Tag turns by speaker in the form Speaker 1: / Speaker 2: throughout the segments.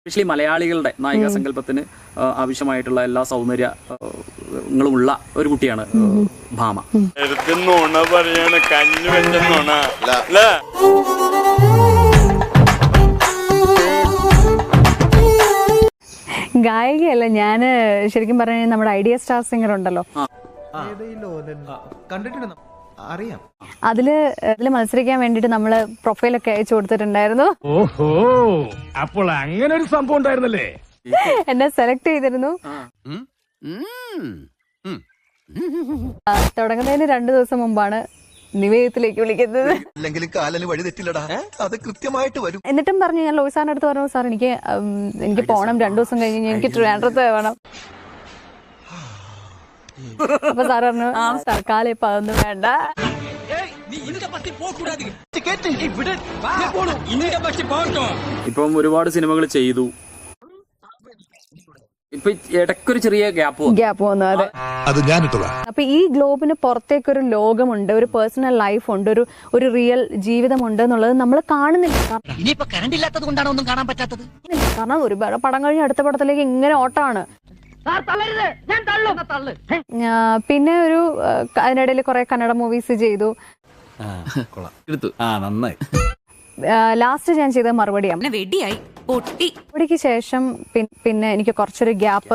Speaker 1: Especially മലയാളികളുടെ നായിക സങ്കല്പത്തിന് ആവശ്യമായിട്ടുള്ള എല്ലാ സൗന്ദര്യങ്ങളും ഉള്ള ഒരു കുട്ടിയാണ് ഭാമ.
Speaker 2: ഗായികയല്ല, ഞാന് ശരിക്കും പറഞ്ഞ നമ്മുടെ ഐഡിയ സ്റ്റാർ സിംഗർ ഉണ്ടല്ലോ, അതില് മത്സരിക്കാൻ വേണ്ടിട്ട് നമ്മള് പ്രൊഫൈലൊക്കെ അയച്ചു കൊടുത്തിട്ടുണ്ടായിരുന്നു.
Speaker 3: ഓഹോ, അപ്പോൾ അങ്ങനെ ഒരു സംഭവം ഉണ്ടായിരുന്നല്ലേ.
Speaker 2: എന്നെ സെലക്ട് ചെയ്തിരുന്നു. തുടങ്ങുന്നതിന് 2 ദിവസം മുമ്പാണ് നിവേദത്തിലേക്ക് വിളിക്കുന്നത്. എന്നിട്ടും പറഞ്ഞു, ഞാൻ ലോയി സാറിന്റെ അടുത്ത് പറഞ്ഞു, സാർ എനിക്ക് പോണം, 2 ദിവസം കഴിഞ്ഞ് എനിക്ക് ട്രിവാൻഡ്രത്ത് വേണം. അപ്പൊ സാർ പറഞ്ഞു, തൽക്കാലം ഇപ്പൊ അതൊന്നും വേണ്ട.
Speaker 1: ഇപ്പം ഒരുപാട് സിനിമകൾ ചെയ്തു, ഇപ്പൊ ഇടയ്ക്കൊരു ചെറിയ ഗ്യാപ്പ്
Speaker 2: വന്നു. അതെ, അപ്പൊ ഈ ഗ്ലോബിന് പുറത്തേക്കൊരു ലോകമുണ്ട്, ഒരു പേഴ്സണൽ ലൈഫ് ഉണ്ട്, ഒരു റിയൽ ജീവിതമുണ്ട് എന്നുള്ളത് നമ്മൾ കാണുന്നില്ല. കാരണം ഒരുപാട് പടം കഴിഞ്ഞ് അടുത്ത പടത്തിലേക്ക് ഇങ്ങനെ ഓട്ടമാണ്. പിന്നെ അതിനിടയിൽ കുറെ കന്നഡ മൂവീസ് ചെയ്തു. ലാസ്റ്റ് ഞാൻ ചെയ്ത മറുപടിക്ക് ശേഷം പിന്നെ എനിക്ക് കുറച്ചൊരു ഗ്യാപ്പ്,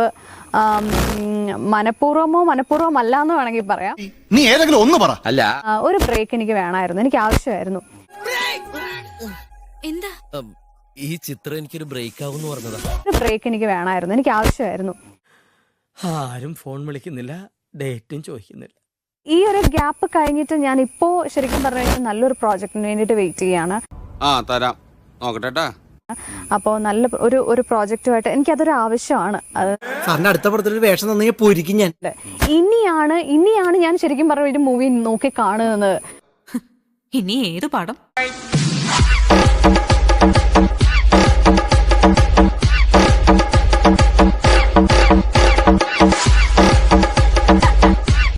Speaker 2: മനഃപൂർവമല്ല എന്ന് വേണമെങ്കിൽ പറയാം.
Speaker 4: നീ ഏതെങ്കിലും ഒന്ന് പറ. അല്ല,
Speaker 2: ഒരു ബ്രേക്ക് എനിക്ക് വേണമായിരുന്നു, എനിക്ക് ആവശ്യമായിരുന്നു.
Speaker 5: എന്താ ഈ ചിത്രം എനിക്കൊരു ബ്രേക്ക് ആവുമെന്ന് പറഞ്ഞതാ.
Speaker 2: ഒരു ബ്രേക്ക് എനിക്ക് വേണമായിരുന്നു, എനിക്ക് ആവശ്യമായിരുന്നു.
Speaker 5: ആരും ഫോൺ വിളിക്കുന്നില്ല, ഡേറ്റും ചോദിക്കുന്നില്ല.
Speaker 2: ഈ ഒരു ഗ്യാപ്പ് കഴിഞ്ഞിട്ട് ഞാൻ ഇപ്പോ ശരിക്കും പറഞ്ഞു നല്ലൊരു പ്രോജക്റ്റിന് വേണ്ടിട്ട് വെയിറ്റ് ചെയ്യാണ്. അപ്പോ നല്ല ഒരു പ്രോജക്റ്റുമായിട്ട് എനിക്കതൊരു ആവശ്യമാണ്.
Speaker 5: അടുത്ത പടത്തിൽ വേഷം തന്നെ പോയിരിക്കും ഞാൻ.
Speaker 2: ഇനിയാണ് ഞാൻ ശരിക്കും പറഞ്ഞ ഒരു മൂവി നോക്കി കാണുന്നത്.
Speaker 6: ഇനി ഏത് പടം?